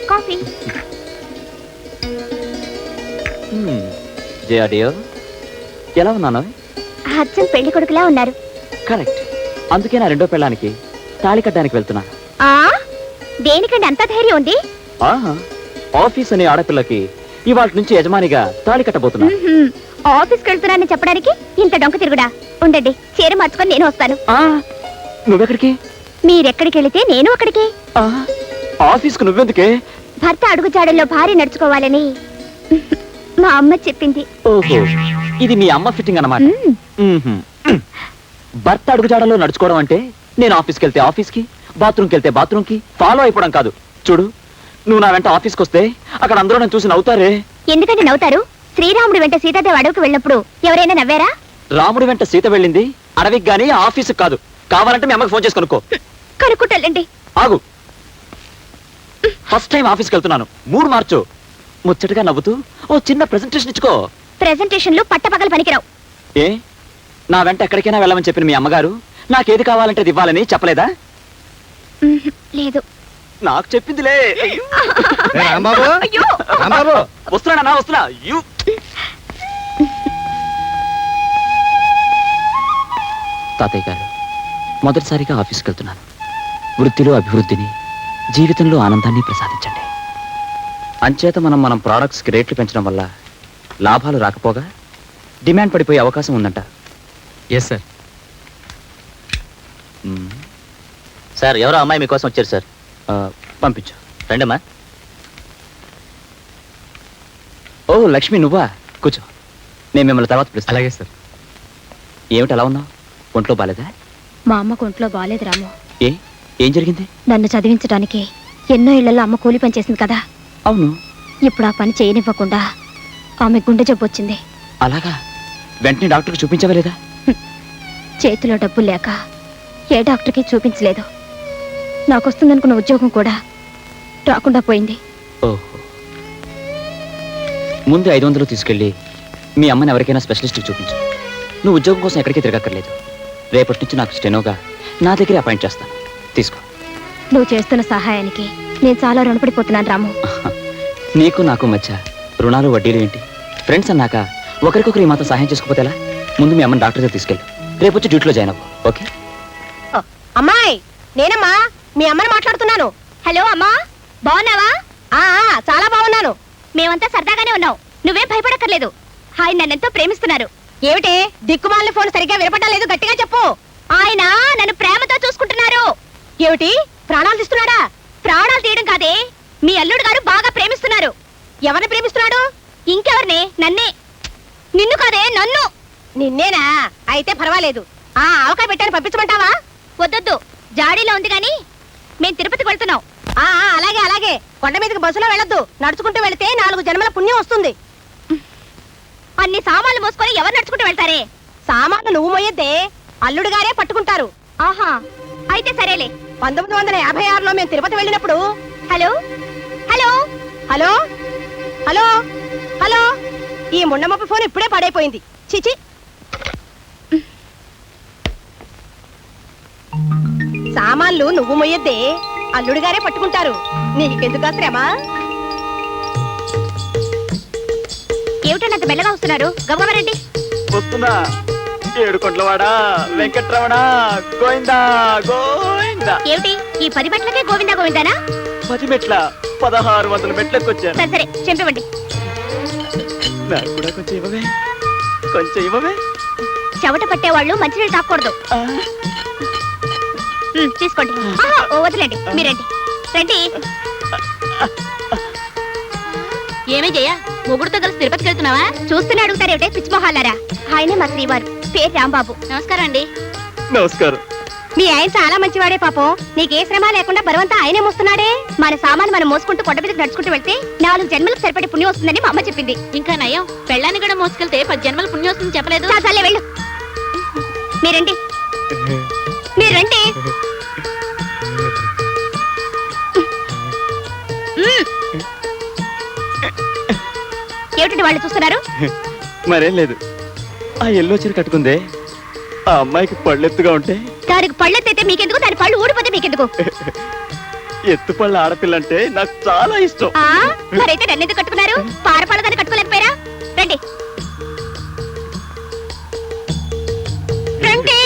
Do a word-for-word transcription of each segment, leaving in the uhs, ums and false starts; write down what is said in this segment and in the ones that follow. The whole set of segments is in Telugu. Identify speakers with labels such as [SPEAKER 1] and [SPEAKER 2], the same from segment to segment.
[SPEAKER 1] కాఫీ.
[SPEAKER 2] ఎలా ఉన్నాను?
[SPEAKER 1] అచ్చం పెళ్లి కొడుకులా ఉన్నారు.
[SPEAKER 2] కరెక్ట్. అందుకే నా రెండో పెళ్ళానికి తాళి కట్టడానికి వెళ్తున్నాను.
[SPEAKER 1] ఆ దేనికండి అంత ధైర్యం ఉంది?
[SPEAKER 2] ఆహా, ఆఫీస్ అనే ఆడపిల్లకి ఇవాళ నుంచి యజమానిగా తాళి కట్టబోతున్నా.
[SPEAKER 1] ఆఫీస్కి వెళ్తున్నానని చెప్పడానికి ఇంత డొంక తిరుగుడా? ఉండండి, చీర మార్చుకొని నేను వస్తాను.
[SPEAKER 2] నువ్వెక్కడికి?
[SPEAKER 1] మీరెక్కడికి వెళితే నేను అక్కడికి.
[SPEAKER 2] ఆఫీస్కు నువ్వెందుకే?
[SPEAKER 1] భర్త అడుగుజాడల్లో భార్య నడుచుకోవాలని మా అమ్మ చెప్పింది.
[SPEAKER 2] ఓహో, ఇది మీ అమ్మ ఫిట్టింగ్ అన్నమాట. భర్త అడుగుజాడల్లో నడుచుకోవడం అంటే నేను ఆఫీస్కి వెళ్తే ఆఫీస్కి, బాత్రూమ్కి వెళ్తే బాత్రూమ్కి ఫాలో అయిపోవడం కాదు. చూడు, నువ్వు నా వెంట ఆఫీస్కి వస్తే అక్కడ అందరూ నన్ను చూసి నవ్వుతారే.
[SPEAKER 1] ఎందుకంటే నవ్వుతారు? శ్రీరాముడి వెంట సీతాదేవి అడవికి వెళ్ళినప్పుడు ఎవరైనా నవ్వారా?
[SPEAKER 2] రాముడి వెంట సీత వెళ్ళింది అడవికి గానీ ఆఫీస్కి కాదు. కావాలంటే మీ అమ్మకి ఫోన్ చేసి కనుక్కో.
[SPEAKER 1] కనుక్కుంటానండి.
[SPEAKER 2] ఆగు, ఫస్ట్ టైం ఆఫీస్కి వెళ్తున్నాను, మూడు మార్చు. ముచ్చటగా నవ్వుతూ ఓ చిన్న ప్రెజెంటేషన్ ఇచ్చుకో.
[SPEAKER 1] ప్రెజెంటేషన్లు పట్టపగలు పనికిరావు.
[SPEAKER 2] ఏ, నా వెంట ఎక్కడికైనా వెళ్ళమని చెప్పిన మీ అమ్మగారు నాకేది కావాలంటే అది ఇవ్వాలని చెప్పలేదా?
[SPEAKER 1] లేదు.
[SPEAKER 2] నాకు చెప్పిందిలే.
[SPEAKER 1] అయ్యో,
[SPEAKER 2] వస్తున్నా వస్తున్నా. తాతయ్య గారు, మొదటిసారిగా ఆఫీస్కి వెళ్తున్నాను. వృత్తిలో అభివృద్ధిని, జీవితంలో ఆనందాన్ని ప్రసాదించండి. అంచేత మనం మనం ప్రోడక్ట్స్కి రేట్లు పెంచడం వల్ల లాభాలు రాకపోగా డిమాండ్ పడిపోయే అవకాశం ఉందంట.
[SPEAKER 3] Yes sir.
[SPEAKER 2] సార్, ఎవరో అమ్మాయి మీకోసం వచ్చారు సార్. పంపించు. రండమ్మా. ఓ లక్ష్మి, నువ్వా? కూర్చో, నేను మిమ్మల్ని తర్వాత పిలుస్తాను.
[SPEAKER 3] అలాగే సార్.
[SPEAKER 2] ఏమిటి అలా ఉన్నావు? ఒంట్లో బాలేదా?
[SPEAKER 1] మా అమ్మకు ఒంట్లో బాలేదు రాము.
[SPEAKER 2] ఏ, ఏం జరిగింది?
[SPEAKER 1] నన్ను చదివించడానికి ఎన్నో ఇళ్లలో అమ్మ కూలి పని చేసింది కదా.
[SPEAKER 2] అవును.
[SPEAKER 1] ఇప్పుడు ఆ పని చేయనివ్వకుండా ఆమె గుండె జబ్బు వచ్చింది.
[SPEAKER 2] అలాగా? వెంటనే డాక్టర్కి చూపించవలేదా?
[SPEAKER 1] చేతిలో డబ్బు లేక ఏ డాక్టర్కి చూపించలేదు. నాకు వస్తుందనుకున్న ఉద్యోగం కూడా రాకుండా పోయింది.
[SPEAKER 2] ఓహో, ముందు ఐదు వందలు తీసుకెళ్ళి మీ అమ్మని ఎవరికైనా స్పెషలిస్ట్కి చూపించు. నువ్వు ఉద్యోగం కోసం ఎక్కడికి తిరగక్కర్లేదు. రేపటి నుంచి నాకు స్టెనోగా నా దగ్గర అపాయింట్ చేస్తాను. తీసుకో.
[SPEAKER 1] నువ్వు చేస్తున్న సహాయానికి నేను చాలా రుణపడిపోతున్నాను రాము.
[SPEAKER 2] నీకు నాకు మధ్య రుణాలు వడ్డీలు ఏంటి? ఫ్రెండ్స్ అన్నాక ఒకరికొకరు ఈ మాత్రం సహాయం చేసుకోపోతే ఎలా? ముందు మీ అమ్మని డాక్టర్ దగ్గర తీసుకెళ్ళు. రేపు వచ్చి డ్యూటీలో జాయిన్ అవ్వు. ఓకే?
[SPEAKER 1] అమ్మాయి, నేనమ్మా మీ అమ్మని మాట్లాడుతున్నాను. హలో అమ్మా, బాగున్నావా? చాలా బాగున్నాను. మేమంతా సరదాగానే ఉన్నాం. నువ్వేం భయపడక్కర్లేదు. ఆయన నన్నెంతో ప్రేమిస్తున్నారు. ఏమిటి దిక్కుమాలిన ఫోన్ సరిగ్గా వినపడడం లేదు? గట్టిగా చెప్పు. ఆయన నన్ను ప్రేమతో చూసుకుంటున్నారు. ఏమిటి, ప్రాణాలు తీస్తున్నాడా? ప్రాణాలు తీయడం కాదే, మీ అల్లుడు గారు బాగా ప్రేమిస్తున్నారు. ఎవరిని ప్రేమిస్తున్నాడు? ఇంకెవరిని? నన్నే. నిన్ను కాదే, నన్ను. నిన్నేనా? అయితే పర్వాలేదు. ఆ ఆవకాయ పెట్టాను, పంపించమంటావా? వద్దొద్దు, జాడీలో ఉంది గాని మేం తిరుపతికి వెళ్తున్నాం. ఆ అలాగే అలాగే. కొండ మీదకి బస్సులో వెళ్ళొద్దు, నడుచుకుంటూ వెళితే నాలుగు జన్మల పుణ్యం వస్తుంది. అన్ని సామాన్లు మోసుకొని ఎవరు నడుచుకుంటూ వెళ్తారే? సామాన్లు నువ్వు మోయొద్దే, అల్లుడు గారే పట్టుకుంటారు. ఆహా, అయితే సరేలే. పంతొమ్మిది వందల యాభై ఆరులో మేము తిరుపతి వెళ్ళినప్పుడు. Hello hello hello hello hello ఈ ముండమప్ప ఫోన్ ఇప్పుడే పడైపోయింది. చిచి, సామాన్లు నువ్వు మొయ్యద్దే, అల్లుడు గారే పట్టుకుంటారు. నీకెందుకు శ్రమ? ఏమిటంత మెల్లగా వస్తున్నారు? గమగమరండి.
[SPEAKER 2] వస్తున్నా. ఏడుకొండలవాడా, వెంకట్రమణ, గోవిందా గోవిందా.
[SPEAKER 1] ఏమిటి ఈ పది మెట్లకే గోవిందా గోవిందానా?
[SPEAKER 2] పది మెట్ల పదహారు వందల మెట్లకొచ్చాను.
[SPEAKER 1] సరే సరే, చెంపివ్వండి.
[SPEAKER 2] నాకు కూడా కొంచెం ఇవ్వవే, కొంచెం ఇవ్వవే.
[SPEAKER 1] చెవట పట్టేవాళ్ళు మంచినీళ్ళు తాకూడదు. తీసుకోండి. ఓ వదిలేండి, మీరండి. రండి. ఏమే జయ, మొగుడుతో కలిసి తిరుపతికి వెళ్తున్నావా? చూస్తూనే అడుగుతారేమిటే పిచ్చిమొహాలారా. ఆయనే మా శ్రీవారు, పేరు రాంబాబు. నమస్కారం అండి.
[SPEAKER 2] నమస్కారం.
[SPEAKER 1] మీ ఆయన చాలా మంచివాడే పాపం. నీకే శ్రమ లేకుండా బరువంతా ఆయనే మోస్తున్నాడే. మన సామాను మనం మోసుకుంటూ కొండ మీదకి నడుచుకుంటూ వెళ్తే నాలుగు జన్మలకు సరిపడే పుణ్యం వస్తుందని మా అమ్మ చెప్పింది. ఇంకా నయం, పెళ్ళాన్ని కూడా మోసుకెళ్తే పది జన్మల పుణ్యం వస్తుందని చెప్పలేదు. చాలే వెళ్ళు. మీరండి, మీరండి. ఏమిటండి వాళ్ళు చూస్తున్నారు?
[SPEAKER 2] మరేం లేదు. ఆ ఎల్లో చీర కట్టుకుందే, ఆ అమ్మాయికి పళ్ళెత్తుగా ఉంటే
[SPEAKER 1] దానికి పళ్ళెత్తైతే మీకెందుకు, దాని పళ్ళు ఊడిపోతే మీకెందుకు?
[SPEAKER 2] ఎత్తుపళ్ళ ఆడపిల్ల అంటే నాకు చాలా ఇష్టం.
[SPEAKER 1] ఆ మరైతే నన్నెందుకు కట్టుకున్నారు? పారపాలదాన్ని కట్టుకోలేకపోయారా? రండి రండి.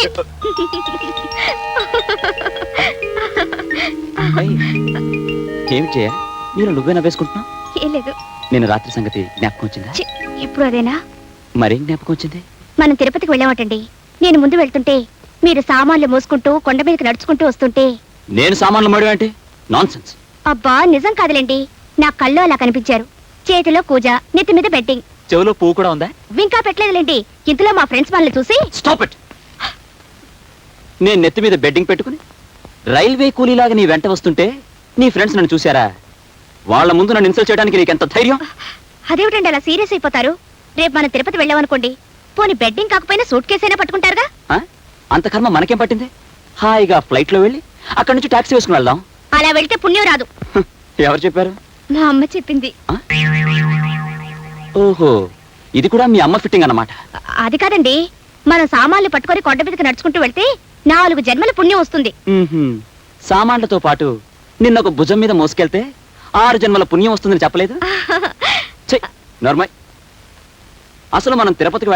[SPEAKER 2] అయ్, ఏం చేయ నేను నువ్వే నవ్వేసుకుంటున్నావు?
[SPEAKER 1] ఏం లేదు.
[SPEAKER 2] నేను రాత్రి సంగతి జ్ఞాపకం వచ్చిందా?
[SPEAKER 1] ఛీ, ఇప్పుడు అదేనా?
[SPEAKER 2] మరేం జ్ఞాపకం వచ్చింది?
[SPEAKER 1] మనం తిరుపతికి వెళ్ళామటండి. నేను ముందు వెళ్తుంటే మీరు సామాన్లు మోసుకుంటూ కొండ మీదకి నడుచుకుంటూ వస్తుంటే
[SPEAKER 2] నేను సామాన్లు మడి అంటే నాన్ సెన్స్.
[SPEAKER 1] అబ్బా నిజం కాదులేండి, నా కళ్ళు అలా కనిపించారు. చేతిలో కూజ, నెత్తి మీద బెట్టింగ్.
[SPEAKER 2] చెవిలో పువ్వు కూడా ఉందా?
[SPEAKER 1] ఇంకా పెట్టలేదులేండి. ఇంతలో మా ఫ్రెండ్స్ మనల్ని చూసి
[SPEAKER 2] స్టాప్ ఇట్. నేను నెత్తి మీద బెడ్డింగ్ పెట్టుకుని రైల్వే కూలీలాగా నీ వెంట వస్తుంటే నీ ఫ్రెండ్స్ నన్ను చూశారా? వాళ్ళ ముందు నన్ను ఇన్సల్ట్ చేయడానికి నీకు ఎంత ధైర్యం?
[SPEAKER 1] అదేమిటండి అలా సీరియస్ అయిపోతారు? రేపు మనం తిరుపతి వెళ్ళామనుకోండి, పోనీ బెడ్డింగ్ కాకపోయినా సూట్ కేసైనా పట్టుకుంటారుగా.
[SPEAKER 2] ఆ? అంత కర్మ మనకేం పట్టింది? హాయిగా ఫ్లైట్ లో వెళ్ళి అక్కడి నుంచి టాక్సీ వేసుకుని వెళ్దాం.
[SPEAKER 1] అలా వెళ్తే పుణ్యం రాదు.
[SPEAKER 2] హ, ఎవరు చెప్పారు?
[SPEAKER 1] మా అమ్మ చెప్పింది.
[SPEAKER 2] ఆ? ఓహో, ఇది కూడా మీ అమ్మ ఫిట్టింగ్ అన్నమాట.
[SPEAKER 1] అది కాదండి, మనం సామాన్లు పట్టుకొని కొండ మీదకి నడుచుకుంటూ వెళ్తే నాలుగు జన్మల పుణ్యం వస్తుంది.
[SPEAKER 2] మ్మ్హ్మ్. సామాన్లతో పాటు నిన్న ఒక భుజం మీద మోసుకెళ్తే ఆరు జన్మల పుణ్యం వస్తుందని చెప్పలేదు? ఛీ, నోర్మయ్. అసలు మనం తిరుపతికి